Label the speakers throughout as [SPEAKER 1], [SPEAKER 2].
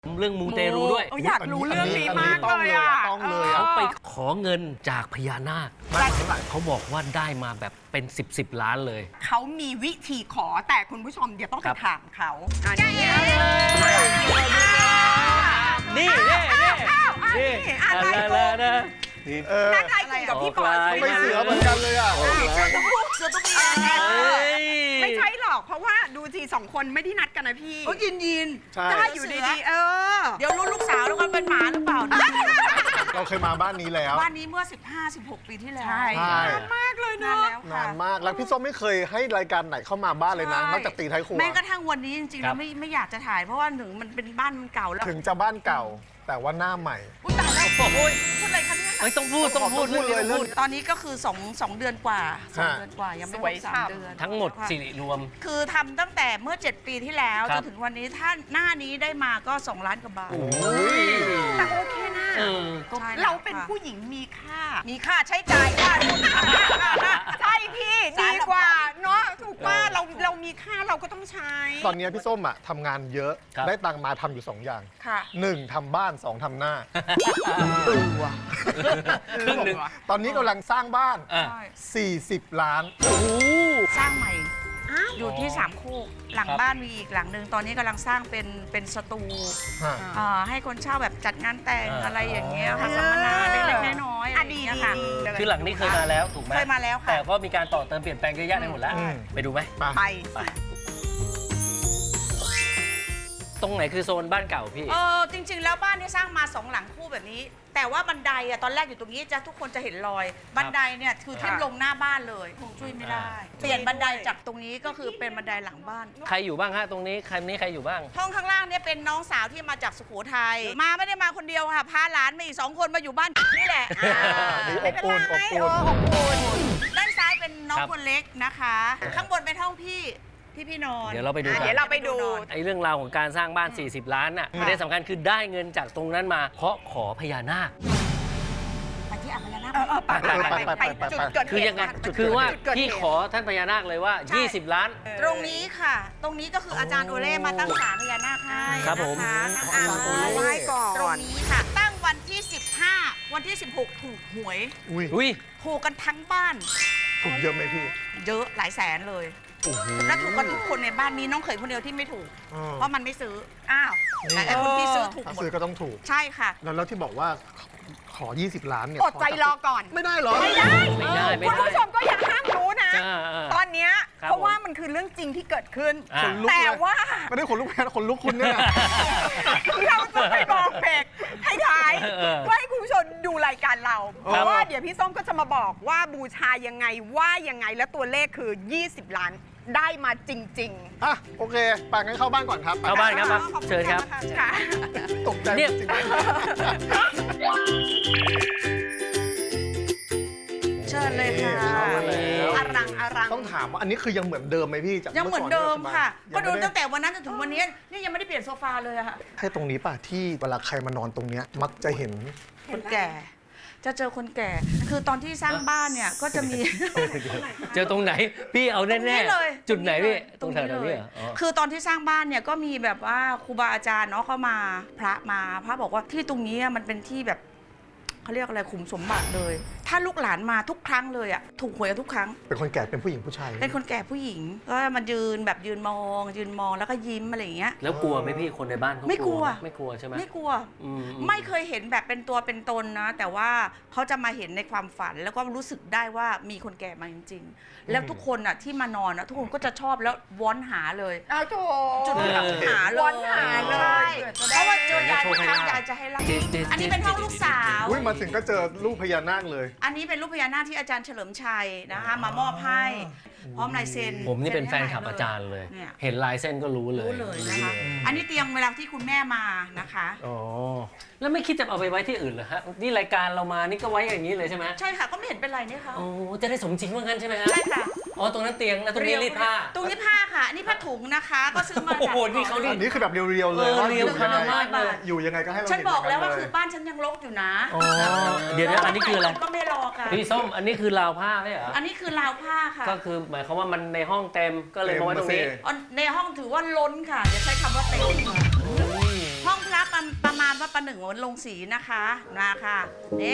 [SPEAKER 1] เรื่องมูเตรูด้วย
[SPEAKER 2] อยากรู้เรื่องนี้มากเลยอ่ะ
[SPEAKER 3] ต้องเลย
[SPEAKER 1] เขาไปขอเงินจากพญานาคเขาบอกว่าได้มาแบบเป็น10 ล้านเลย
[SPEAKER 2] เขามีวิธีขอแต่คุณผู้ชมเดี๋ยวต้องไปถามเขา
[SPEAKER 1] นี่อะไรนะ
[SPEAKER 2] นั่งไลน์กับพี่ปอย
[SPEAKER 3] ไม่เสือเหมือนกันเลยอ่ะ
[SPEAKER 2] เสือต้องไม่ใช่หรอกเพราะว่าดูทีสองคนไม่ได้นัดกันนะพี่
[SPEAKER 4] เขายิน
[SPEAKER 2] ได้อยู่ดีๆ
[SPEAKER 4] เดี๋ยวลูกสาวแล้วกันเป็นหมาหรือเปล่า
[SPEAKER 3] เราเคยมาบ้านนี้แล้ว
[SPEAKER 4] บ้านนี้เมื่อ 15-16 ปีที่แล้ว
[SPEAKER 2] ใช่นานมากเลยเนาะ
[SPEAKER 3] นานมากแล้วพี่ส้มไม่เคยให้รายการไหนเข้ามาบ้านเลยนะนอกจากตีท้ายครัว
[SPEAKER 4] แม้กระทั่งวันนี้จริงๆแล้วไม่อยากจะถ่ายเพราะว่าหนึ่งมันเป็นบ้านมันเก่าแล้ว
[SPEAKER 3] ถึงจะบ้านเก่าแต่ว่าหน้าใหม่
[SPEAKER 4] อุ้ยตายแล้วพูดอะไรคะเนี่ย
[SPEAKER 1] ไม่ต้องพูด
[SPEAKER 3] เลย
[SPEAKER 4] ตอนนี้ก็คือ2 เดือนกว่า2 เดือนกว่ายังไม่ครบ3 เดือน
[SPEAKER 1] ทั้งหมดสิริรวม
[SPEAKER 4] คือทำตั้งแต่เมื่อ7 ปีที่แล้วจนถึงวันนี้ถ้าหน้านี้ได้มาก็2 ล้านกว่าบาท
[SPEAKER 2] แต่โอเคนะเราเป็นผู้หญิงมีค่าใช้จ่ายค่าใช่พี่ดีกว่าเนาะถูกป่ะเรามีค่าเราก็ต้องใช้
[SPEAKER 3] ตอนนี้พี่ส้มอะทำงานเยอะได้ตังมาทำอยู่2 อย่าง1ทำบ้าน2ทำหน้าตอนนี้กำลังสร้างบ้าน40 ล้าน
[SPEAKER 4] สร้างใหม่อยู่ที่3 โคกหลังบ้านมีอีกหลังหนึ่งตอนนี้กำลังสร้างเป็นสตูให้คนเช่าแบบจัดงานแต่งอะไรอย่างเงี้ยค่ะสัมมนาเล็กๆน้อยๆ
[SPEAKER 2] ดี
[SPEAKER 4] ค่ะ
[SPEAKER 1] คือหลังนี้เคยมาแล้วถูกไหม
[SPEAKER 4] เคยมาแล้วค่ะ
[SPEAKER 1] แต่ก็มีการต่อเติมเปลี่ยนแปลงเยอะแยะไปหมดแล้วไปดูไหม
[SPEAKER 2] ไป
[SPEAKER 1] ตรงไหนคือโซนบ้านเก่าพี่
[SPEAKER 4] จริงๆแล้วบ้านที่สร้างมา2 หลังคู่แบบนี้แต่ว่าบันไดอะตอนแรกอยู่ตรงนี้จะทุกคนจะเห็นรอยบันไดเนี่ยคือทิ่มลงหน้าบ้านเลยคงช่วยไม่ได้เปลี่ยนบันไดจากตรงนี้ก็คือเป็นบันไดหลังบ้าน
[SPEAKER 1] ใครอยู่บ้างฮะตรงนี้ใครอยู่บ้าง
[SPEAKER 4] ห้องข้างล่างเนี่ยเป็นน้องสาวที่มาจากสุโขทัยมาไม่ได้มาคนเดียวค่ะพาหลานมาอีก2 คนมาอยู่บ้านนี่แหละ
[SPEAKER 3] อบอุ่น
[SPEAKER 4] ด้านซ้ายเป็นน้องคนเล็กนะคะข้างบนเป็นห้องพี่นอน
[SPEAKER 1] เดี๋ยวเราไปดูไอ้เรื่องราวของการสร้างบ้าน40 ล้านน่ะประเด็นสำคัญคือได้เงินจากตรงนั้นมาเพราะขอพญานาค
[SPEAKER 4] ไปที่อ่างพญานาค
[SPEAKER 2] ไปจุดเกิดเหตุ
[SPEAKER 1] คือยังไงคือว่าพี่ขอท่านพญานาคเลยว่า20 ล้าน
[SPEAKER 4] ตรงนี้ค่ะตรงนี้ก็คืออาจารย์โอเล่มาตั้งศาลพญานาคให้
[SPEAKER 1] ครับผม
[SPEAKER 2] ไหว้ก่อน
[SPEAKER 4] ตรงนี้ค่ะตั้งวันที่15วันที่16ถูกหวยถูกกันทั้งบ้าน
[SPEAKER 3] ถูกเยอะไหมพี่
[SPEAKER 4] เยอะหลายแสนเลยแล้วถูกกันทุกคนในบ้านนี้น้องเขยคนเดียวที่ไม่ถูกเพราะมันไม่ซื้อแต่คนที่ซื้อถูกหมด
[SPEAKER 3] ซื้อก็ต้องถูก
[SPEAKER 4] ใช่ค่ะ
[SPEAKER 3] แล้วที่บอกว่าขอ20 ล้านเนี่ย
[SPEAKER 2] อดใจรอก่อน
[SPEAKER 3] ไม่ได้หรอ
[SPEAKER 2] ไม่ได้คุณผู้ชมก็อย่าห้ามรู้นะตอนนี้เพราะว่ามันคือเรื่องจริงที่เกิดขึ้นแต่ว่า
[SPEAKER 3] ไม่ได้ขนลุกแพ้ขนลุกคุณเนี่ย
[SPEAKER 2] เราจะไปบอกเบรกให้ท้ายเพื่อให้คุณผู้ชมดูรายการเราเพราะว่าเดี๋ยวพี่ส้มก็จะมาบอกว่าบูชายังไงว่ายังไงแล้วตัวเลขคือ20 ล้านได้มาจริง
[SPEAKER 3] ๆโอเคไปงั้นเข้าบ้านก่อนครับ
[SPEAKER 1] เข้าบ้านครับเชิญครับ
[SPEAKER 3] ตกใจจริง
[SPEAKER 4] เชิญเลยค่ะ
[SPEAKER 2] อรัง
[SPEAKER 3] ต้องถามว่าอันนี้คือยังเหมือนเดิมไหมพี่
[SPEAKER 4] ยังเหมือนเดิมค่ะก็ดูตั้งแต่วันนั้นจนถึงวันนี้นี่ยังไม่ได้เปลี่ยนโซฟาเลยค่ะ
[SPEAKER 3] ให้ตรงนี้ป่ะที่เวลาใครมานอนตรงนี้มักจะเห็น
[SPEAKER 4] คนแก่จะเจอคนแก่คือตอนที่สร้างบ้านเนี่ยก็จะมี
[SPEAKER 1] เจอตรงไหนพี่เอาแน่ๆเลยจุดไหนพี่ตรงแถวไหนพี่
[SPEAKER 4] คือตอนที่สร้างบ้านเนี่ยก็มีแบบว่าครูบาอาจารย์เนาะเข้ามาพระบอกว่าที่ตรงนี้มันเป็นที่แบบเขาเรียกอะไรขุมสมบัติเลยถ้าลูกหลานมาทุกครั้งเลยถูกหวยทุกครั้ง
[SPEAKER 3] เป็นคนแก่เป็นผู้หญิงผู้ชาย
[SPEAKER 4] เป็นคนแก่ผู้หญิงก็มายืนมองแล้วก็ยิ้มอะไรอย่างเงี้ย
[SPEAKER 1] แล้วกลัวไหมพี่คนในบ้าน
[SPEAKER 4] ไม่กลัว
[SPEAKER 1] ใช่ไหม
[SPEAKER 4] ไม่กลัวไม่เคยเห็นแบบเป็นตัวเป็นตนนะแต่ว่าเขาจะมาเห็นในความฝันแล้วก็รู้สึกได้ว่ามีคนแก่มาจริงๆแล้วทุกคนที่มานอนทุกคนก็จะชอบแล้ววอนหาเลยจุดที่หาเลยวอนหาเลยเพราะว่าเจอยายครั้งยายจะให้เล่าอันนี้เป็นห้องลูกสาว
[SPEAKER 3] มาถึงก็เจอรูปพญานาคเลย
[SPEAKER 4] อันนี้เป็นรูปพญานาคที่อาจารย์เฉลิมชัยนะคะมามอบให้พร้อมลายเซ็น
[SPEAKER 1] ผมนี่เป็นแฟนคลับอาจารย์เลยเห็นลายเส้นก็รู้เลย
[SPEAKER 4] นะคะอันนี้เตียงเวลาที่คุณแม่มานะคะ
[SPEAKER 1] อ๋อแล้วไม่คิดจะเอาไปไว้ที่อื่นเหรอฮะนี่รายการเรามานี่ก็ไว้อย่างนี้เลยใช่ไหม
[SPEAKER 4] ใช่ค่ะก็ไม่เห็นเป็นไรนี่ค่ะ
[SPEAKER 1] โอ้จะได้สมจริงว่างั้นใช่ไหมฮะ
[SPEAKER 4] ใช่ค่ะ
[SPEAKER 1] อ๋อตรงนั้นเตียงแล้วตรงนี้รีดผ้า
[SPEAKER 4] ตรงนี้ผ้าค่ะนี่ผ้าถุงนะคะก็ซื้อมาจาก
[SPEAKER 1] นี่เขา
[SPEAKER 3] อันนี้คือแบบเรียวๆเลย
[SPEAKER 1] เรียวขนาดมากเลย
[SPEAKER 3] อยู่ยังไงก็ให้เรา
[SPEAKER 4] ฉันบอกแล้วว่าคือบ้านฉันยังรกอยู่นะ
[SPEAKER 1] เดี๋ยวอันนี้คืออะไร
[SPEAKER 4] ก็ไม่รอค่ะ
[SPEAKER 1] พี่ส้มอันนี้คือราวผ้าใช่เหรอ
[SPEAKER 4] อันนี้คือราวผ้าค่ะ
[SPEAKER 1] ก็คือหมายความว่ามันในห้องเต็มก็เลยมาไว้ตรงนี้
[SPEAKER 4] ในห้องถือว่าล้นค่ะอย่าใช้คำว่าเต็มห้องพระปประหนึ่งเหมือนลงสีนะคะมาค่ะนี่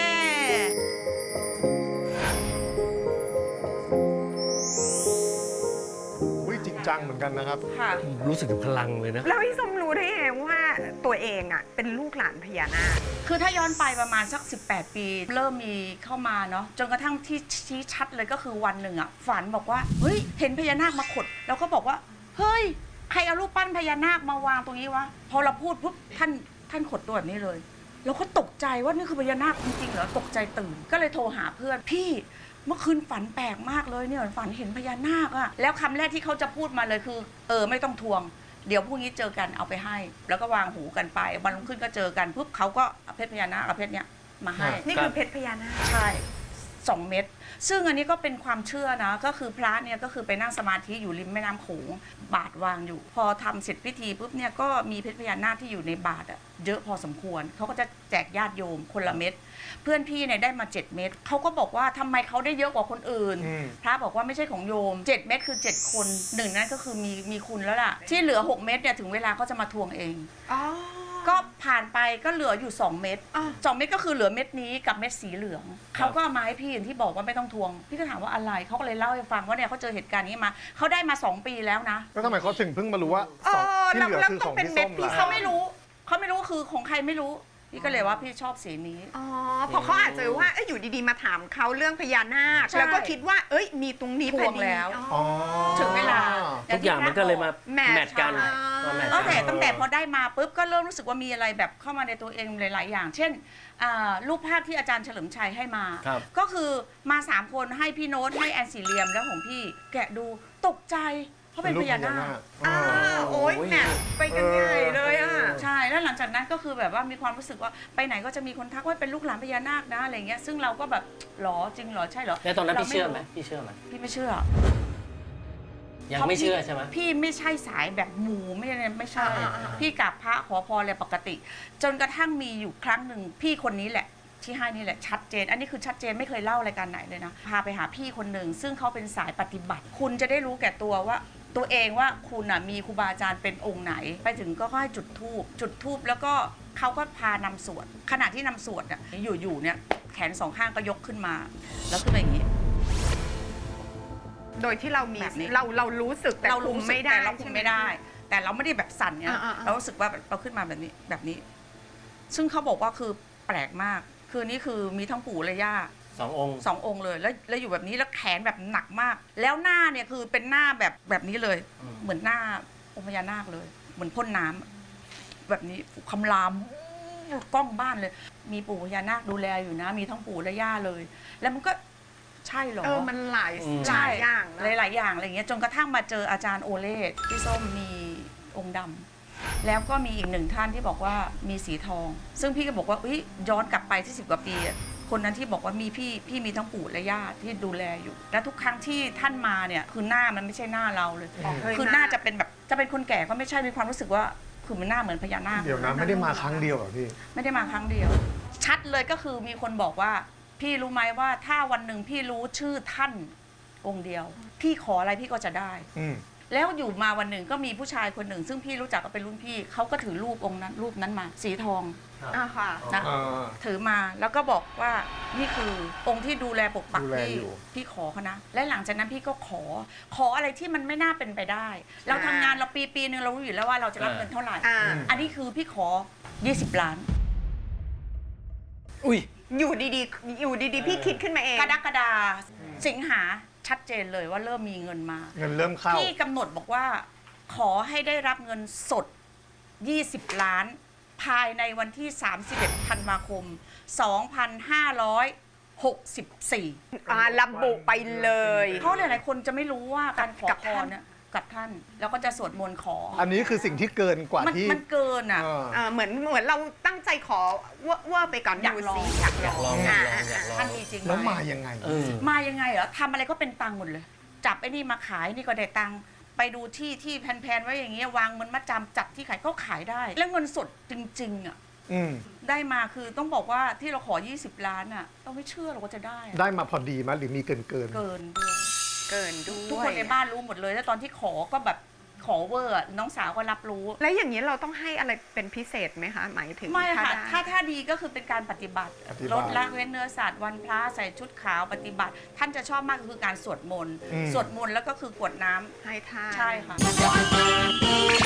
[SPEAKER 3] จริงจังเหมือนกันนะครับ
[SPEAKER 4] ค่ะ
[SPEAKER 1] รู้สึกถึงพลังเลยนะ
[SPEAKER 2] แล้วพี่ส้มรู้ได้ไงว่าตัวเองอ่ะเป็นลูกหลานพญานาค
[SPEAKER 4] คือถ้าย้อนไปประมาณสัก 18 ปี เริ่มมีเข้ามาเนาะจนกระทั่งที่ชี้ชัดเลยก็คือวันหนึ่งอ่ะฝันบอกว่าเฮ้ยเห็นพญานาคมาขดแล้วก็บอกว่าเฮ้ยใครเอารูปปั้นพญานาคมาวางตรงนี้วะพอเราพูดปุ๊บท่านขดตัวแบบนี้เลยเราก็ตกใจว่านี่คือพญานาคจริงๆเหรอตกใจตื่นก็เลยโทรหาเพื่อนพี่เมื่อคืนฝันแปลกมากเลยเนี่ยฝันเห็นพญานาคอะแล้วคำแรกที่เขาจะพูดมาเลยคือไม่ต้องทวงเดี๋ยวพรุ่งนี้เจอกันเอาไปให้ แล้วก็วางหูกันไปวันรุ่งขึ้นก็เจอกันปุ๊บเขาก็เอาเพชรพญานาคเอาเพชรเนี้ยมาให้
[SPEAKER 2] นี่คือเพชรพญานาค
[SPEAKER 4] ใช่2 เม็ดซึ่งอันนี้ก็เป็นความเชื่อนะก็คือพระเนี่ยก็คือไปนั่งสมาธิอยู่ริมแม่น้ำโขงบาทวางอยู่ พอทำเสร็จพิธีปุ๊บเนี่ยก็มีเพชรพญานาคที่อยู่ในบาทอะเยอะพอสมควรเขาก็จะแจกญาติโยมคนละเม็ดเพื่อนพี่เนี่ยได้มา7 เม็ดเขาก็บอกว่าทำไมเขาได้เยอะกว่าคนอื่น พระบอกว่าไม่ใช่ของโยม7 เม็ดคือ7 คนหนึ่งนั้นก็คือมีคุณแล้วล่ะที่เหลือ6 เม็ดเนี่ยถึงเวลาเขาจะมาทวงเอง ก็ผ่านไปก็เหลืออยู่2 เม็ด2 เม็ดก็คือเหลือเม็ดนี้กับเม็ดสีเหลืองเขาก็เอามาให้พี่อย่างที่บอกว่าไม่ต้องทวงพี่ก็ถามว่าอะไรเขาก็เลยเล่าให้ฟังว่าเนี่ยเขาเจอเหตุการณ์นี้มาเขาได้มา2 ปีแล้วนะ
[SPEAKER 3] แล้วทำไมเขาถึงเพิ่งมารู้ว่าสองที่เหลือคือของพี่ส้ม
[SPEAKER 4] พี่
[SPEAKER 3] ล่ะ
[SPEAKER 4] เขาไม่รู้ว่าคือของใครไม่รู้พี่ก็เลยว่าพี่ชอบสีนี้
[SPEAKER 2] อ๋อเพราะเขาอาจจะว่าอยู่ดีๆมาถามเขาเรื่องพญานาค
[SPEAKER 4] ใช่
[SPEAKER 2] แล้วก็คิดว่ามีตรงนี้
[SPEAKER 4] ทวงแล้ว
[SPEAKER 2] อ๋อ
[SPEAKER 4] ถึงเวลา
[SPEAKER 1] ทุกอย่างมันก็เลยมา
[SPEAKER 2] แมท
[SPEAKER 1] แมทกัน
[SPEAKER 2] ใช่
[SPEAKER 1] มาแมท
[SPEAKER 4] ตั้งแต่พอได้มาปุ๊บก็เริ่มรู้สึกว่ามีอะไรแบบเข้ามาในตัวเองหลาย ๆ อย่าง เช่นรูปภาพที่อาจารย์เฉลิมชัยให้มา
[SPEAKER 1] ครับ
[SPEAKER 4] ก็คือมา3 คนให้พี่โน้ตให้แอนสีเหลียมแล้วของพี่แกะดูตกใจเพราะเป็นพญานาค
[SPEAKER 2] โอ้ยแมทไปกันใหญ่เลยอ่ะ
[SPEAKER 4] ใช่แล้วหลังจากนั้นก็คือแบบว่ามีความรู้สึกว่าไปไหนก็จะมีคนทักว่าเป็นลูกหลานพญานาคนะอะไรเงี้ยซึ่งเราก็แบบหรอจริงหรอใช่หรอ
[SPEAKER 1] แล้วตอนนั้นพี่
[SPEAKER 4] รา
[SPEAKER 1] เชื่อไหมพี่เชื่อไหม
[SPEAKER 4] พี่ไม่เชื่อ
[SPEAKER 1] ยังไม่เชื่อใช่ไหม
[SPEAKER 4] พี่ไม่ใช่สายแบบหมูไม่ใช่ พี่กราบพระขอพรอะไรปกติ จนกระทั่งมีอยู่ครั้งหนึ่งพี่คนนี้แหละที่ให้นี่แหละชัดเจน อันนี้คือชัดเจนไม่เคยเล่ารายการไหนเลยนะพาไปหาพี่คนหนึ่งซึ่งเขาเป็นสายปฏิบัติ คุณจะได้รู้แก่ตัวว่าตัวเองว่าคุณมีครูบาอาจารย์เป็นองค์ไหน ไปถึงก็ให้จุดธูปแล้วก็เขาก็พานำสวดขณะที่นำสวดเนี่ยอยู่เนี่ยแขน2 ข้างก็ยกขึ้นมาแล้วขึ้นมาอย่างนี้
[SPEAKER 2] โดยที่เรามี
[SPEAKER 4] แบบนี้
[SPEAKER 2] เรารู้สึกแต่
[SPEAKER 4] เรา
[SPEAKER 2] คุ
[SPEAKER 4] รู้
[SPEAKER 2] ม
[SPEAKER 4] สึก
[SPEAKER 2] ไม่ได้
[SPEAKER 4] แต่เราคุมไม่ได้ แต่เราไม่ได้แบบสั่นเนี่ย
[SPEAKER 2] อ่าๆ
[SPEAKER 4] เรารู้สึกว่าเราขึ้นมาแบบนี้ ซึ่งเขาบอกว่าคือแปลกมากคือนี่คือมีทั้งปู่และย่า
[SPEAKER 1] 2 องค์
[SPEAKER 4] 2 องค์เลยแล้วอยู่แบบนี้แล้วแขนแบบหนักมาก แล้วหน้าเนี่ยคือเป็นหน้าแบบนี้เลย เหมือนหน้าองค์พญานาคเลย เหมือนพ่นน้ำแบบนี้คำรามกล้องบ้านเลย มีปู่พญานาคดูแลอยู่นะ มีทั้งปู่และย่าเลย แล้วมันก็ใช่เหรอ
[SPEAKER 2] มันหลาย
[SPEAKER 1] อืม
[SPEAKER 2] หลายอย่างนะ
[SPEAKER 4] หลายๆอย่างอะไรเงี้ยจนกระทั่งมาเจออาจารย์โอเล่พี่ส้มมีองค์ดำแล้วก็มีอีก1 ท่านที่บอกว่ามีสีทอง ซึ่งพี่ก็บอกว่าย้อนกลับไปที่10 กว่าปีอะคนนั้นที่บอกว่ามีพี่มีทั้งปู่และย่าที่ดูแลอยู่ และทุกครั้งที่ท่านมาเนี่ยคือหน้ามันไม่ใช่หน้าเราเลย คือหน้าจะเป็นแบบจะเป็นคนแก่ก็ไม่ใช่มีความรู้สึกว่าคือมันหน้าเหมือนพญานาค
[SPEAKER 3] เดี๋ยวนะไม่ได้มาครั้งเดียวเหรอพี่
[SPEAKER 4] ไม่ได้มาครั้งเดียว ชัดเลยก็คือมีคนบอกว่า พี่รู้ไหมว่าถ้าวันหนึ่งพี่รู้ชื่อท่านองค์เดียว พี่ขออะไรพี่ก็จะได้ แล้วอยู่มาวันหนึ่งก็มีผู้ชายคนหนึ่ง ซึ่งพี่รู้จักก็เป็นรุ่นพี่เขาก็ถือรูปองค์นั้นรูปนั้นมาสีทอง
[SPEAKER 2] ค่ะ
[SPEAKER 4] นะถือมาแล้วก็บอกว่านี่คือองค์ที่ดูแลปกปัก
[SPEAKER 3] ดูแล
[SPEAKER 4] พี่
[SPEAKER 3] อยู่
[SPEAKER 4] พี่ขอเขานะและหลังจากนั้นพี่ก็ขออะไรที่มันไม่น่าเป็นไปได้ เราทำงานเราปีนึงเรารู้อยู่แล้วว่าเราจะรับเงินเท่าไหร่ อันนี้คือพี่ขอ 20 ล้าน
[SPEAKER 1] อุ้ย
[SPEAKER 2] อยู่ดีๆพี่คิดขึ้นมาเอง
[SPEAKER 4] กรกฎาสิงหาชัดเจนเลยว่าเริ่มมีเงินมา
[SPEAKER 3] เงินเริ่มเข้า
[SPEAKER 4] พี่กำหนดบอกว่าขอให้ได้รับเงินสด 20 ล้าน ภายในวันที่ 31 ธันวาคม 2564
[SPEAKER 2] ระบุไปเลย
[SPEAKER 4] เพราะหลายๆคนจะไม่รู้ว่าการขอพรเนี่ยกับท่าน แล้วก็จะสวดมนต์ขอ
[SPEAKER 3] อันนี้คือสิ่งที่เกินกว่าที่
[SPEAKER 4] มันเกินอ่ะ
[SPEAKER 2] เหมือนเราตั้งใจขอว่าไปก่อน
[SPEAKER 4] อยากลอง
[SPEAKER 2] ดูสิอยากลอง
[SPEAKER 1] อยากลอง
[SPEAKER 4] ท่านมีจริงไหม
[SPEAKER 3] แล้วมายังไง
[SPEAKER 4] มายังไงเหรอทำอะไรก็เป็นตังค์หมดเลย จับไอ้นี่มาขายนี่ก็ได้ตังค์ไปดูที่แพนๆไว้อย่างเงี้ยวางเงินมัดจำจับที่ขายก็ขายได้ แล้วเงินสดจริงๆอ่ะได้มาคือต้องบอกว่าที่เราขอ 20 ล้านอ่ะเราไม่เชื่อเราก็จะได้อะ
[SPEAKER 3] ได้มาพอดีมั้ยหรือมีเกิน
[SPEAKER 4] เกินด้วย
[SPEAKER 2] เกินด้วย
[SPEAKER 4] ทุกคนในบ้านรู้หมดเลยแล้วตอนที่ขอก็แบบขอเวอร์น้องสาวก็รับรู้
[SPEAKER 2] แล้วอย่างนี้เราต้องให้อะไรเป็นพิเศษไหมคะ หมายถึง
[SPEAKER 4] ไม่ค่ะ
[SPEAKER 2] ได้
[SPEAKER 4] ถ้าดีก็คือเป็นการปฏิบัติ
[SPEAKER 3] ปฏิบัติ
[SPEAKER 4] ลดละเว้นเนื้อสัตว์วันพระใส่ชุดขาวปฏิบัติ ท่านจะชอบมากก็คือการสวดมนต์
[SPEAKER 3] อืม
[SPEAKER 4] สวดมนต์แล้วก็คือกรวดน้ำ
[SPEAKER 2] ให้ทาน
[SPEAKER 4] ใช่ค่ะ